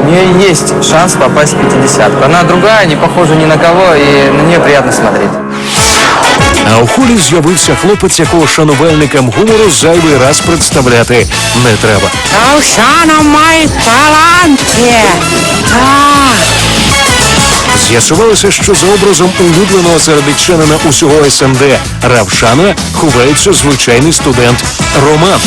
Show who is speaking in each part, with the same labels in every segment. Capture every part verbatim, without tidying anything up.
Speaker 1: нее есть шанс попасть в пятидесятку. Она другая, не похожа ни на кого, и на нее приятно смотреть.
Speaker 2: А у холі з'явився хлопець, якого шанувальникам гумору зайвий раз представляти не треба.
Speaker 3: Равшана має таланти. Так.
Speaker 2: З'ясувалося, що за образом улюбленого середичанина усього ес ем де Равшана ховається звичайний студент Роман.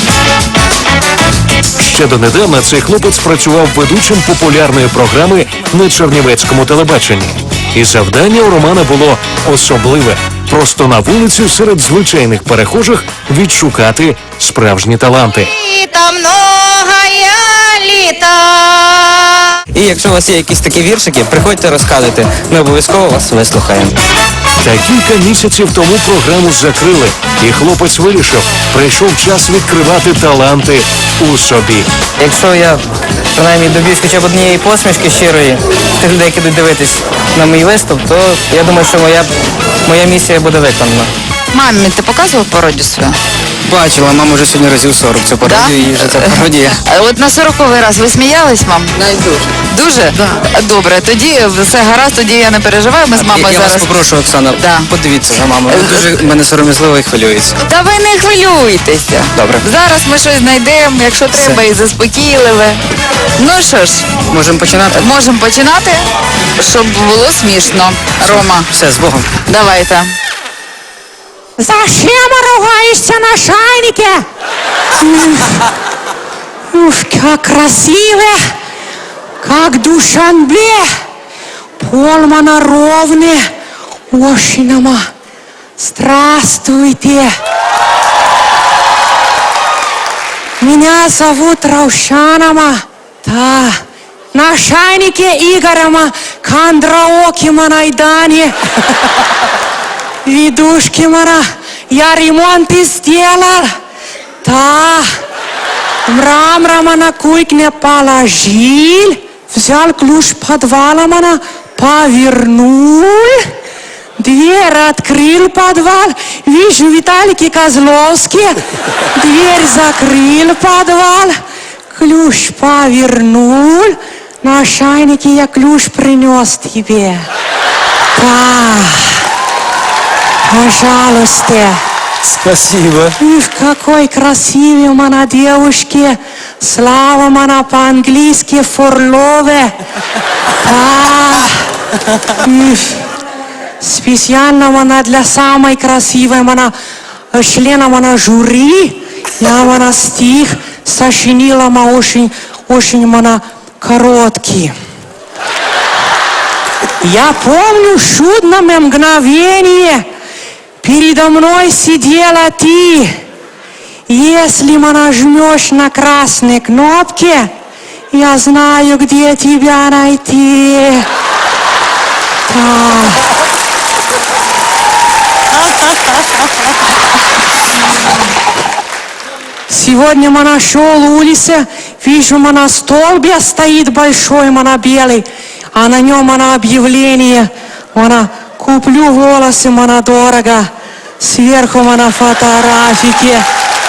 Speaker 2: Ще донедавна цей хлопець працював ведучим популярної програми на чернівецькому телебаченні. І завдання у Романа було особливе – просто на вулиці серед звичайних перехожих відшукати справжні таланти.
Speaker 4: Літа, многая літа.
Speaker 1: І якщо у вас є якісь такі віршики, приходьте, розказуйте. Ми обов'язково вас вислухаємо.
Speaker 2: Та кілька місяців тому програму закрили, і хлопець вирішив, прийшов час відкривати таланти у собі.
Speaker 1: Якщо я, принаймні, доб'юсь хоча б однієї посмішки щирої тих людей, які будуть дивитись на мій виступ, то я думаю, що моя, моя місія буде виконана.
Speaker 4: Мамі, ти показував пародію свою?
Speaker 1: Бачила, мама вже сьогодні разів сорок цю пародію, і вже ця пародія.
Speaker 4: А от на сороковий раз ви сміялись, мам?
Speaker 1: Навіть дуже.
Speaker 4: Дуже? Да. Добре, тоді все гаразд, тоді я не переживаю, ми з мамою
Speaker 1: Я
Speaker 4: зараз...
Speaker 1: вас попрошу, Оксана,
Speaker 4: Да.
Speaker 1: подивіться за мамою. Ви дуже в мене сором'язливо і хвилюється.
Speaker 4: Та ви не хвилюйтеся.
Speaker 1: Добре.
Speaker 4: Зараз ми щось знайдемо, якщо треба, і заспокійливе. Ну що ж,
Speaker 1: Можемо починати?
Speaker 4: можемо починати, щоб було смішно. Рома,
Speaker 1: Все, з Богом.
Speaker 4: давайте.
Speaker 3: Зачем ругаешься на шайнике? Ух, как красиво, как Душанбе. Полмана ровный, Ошинама. Здравствуйте. Меня зовут Раушанама. Да, на шайнике Игорема Кондраоки Манайдани. Видушки мара, я ремонт и сделал. Да, мрамора на кухне положил, взял ключ подвала мана, повернул, дверь открыл подвал, вижу Виталий Козловский, дверь закрыл подвал, ключ повернул, на шайнике я ключ принес тебе. Да. Пожалуйста.
Speaker 1: Спасибо.
Speaker 3: Ух, какой красивый у меня девушки. Слава мана по-английски форлове. Да. Ух. Специально мана для самой красивой мана члена мана жюри. Я мана стих сочинила ма очень, очень мана короткий. Я помню чудное мгновение. Передо мной сидела ты. Если нажмешь на красные кнопки, я знаю, где тебя найти. Да. Сегодня я нашел улице, вижу, на столбе стоит большой, мана белый, а на нем мана объявление, мана куплю волосы, мана дорого, сверху мана фотографики.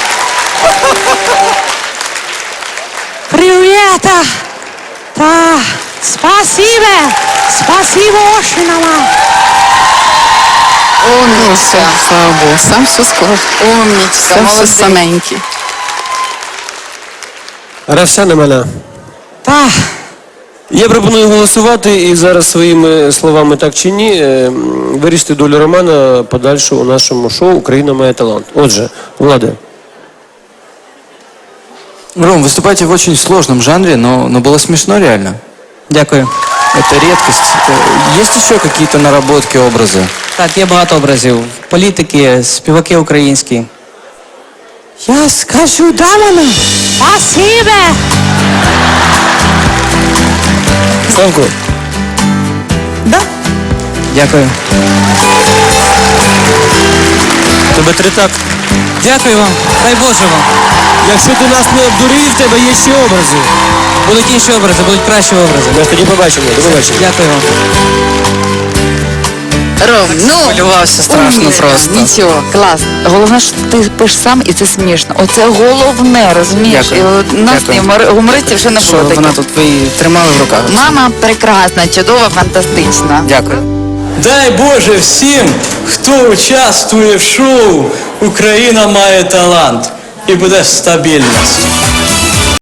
Speaker 3: Привет! Да, спасибо, спасибо очень, мама.
Speaker 4: Умничка.
Speaker 5: Слава Богу, сам все сказав.
Speaker 4: Умничка,
Speaker 5: Сам все
Speaker 4: молодець.
Speaker 5: саменький.
Speaker 6: Равшана Маля.
Speaker 3: Да,
Speaker 6: Я пропоную голосувати і зараз своїми словами так чи ні е, вирішити долю Романа подальшу у нашому шоу «Україна має талант». Отже, Влада.
Speaker 1: Ром, выступаете в очень сложном жанре, но, но было смешно реально. Дякую. Это редкость. Э, Есть еще какие-то наработки, образы? Так, є багато образів. Політики, співаки українські.
Speaker 3: я скажу, да, мама. Спасибо.
Speaker 6: Славко.
Speaker 3: Да.
Speaker 1: Дякую.
Speaker 6: Тебе тритак.
Speaker 1: Дякую вам. Дай Боже вам.
Speaker 6: Якщо ти нас не обдурив, в тебе є ще образи.
Speaker 1: Будуть інші образи, будуть кращі образи.
Speaker 6: Ми ж тоді побачимо. До побачення.
Speaker 1: Дякую вам.
Speaker 4: Ром, ну,
Speaker 1: Хвилювався страшно
Speaker 4: умничка.
Speaker 1: просто.
Speaker 4: Нічого, клас. Головне, що ти пишеш сам, і це смішно. Оце головне, розумієш?
Speaker 1: Дякую.
Speaker 4: І у нас
Speaker 1: Дякую.
Speaker 4: гумор- гумористів ще не
Speaker 1: Що
Speaker 4: було
Speaker 1: вона
Speaker 4: таких.
Speaker 1: тут, ви її тримали в руках?
Speaker 4: Мама прекрасна, чудова, фантастична.
Speaker 1: Дякую.
Speaker 7: Дай Боже всім, хто участвує в шоу «Україна має талант» і буде стабільність.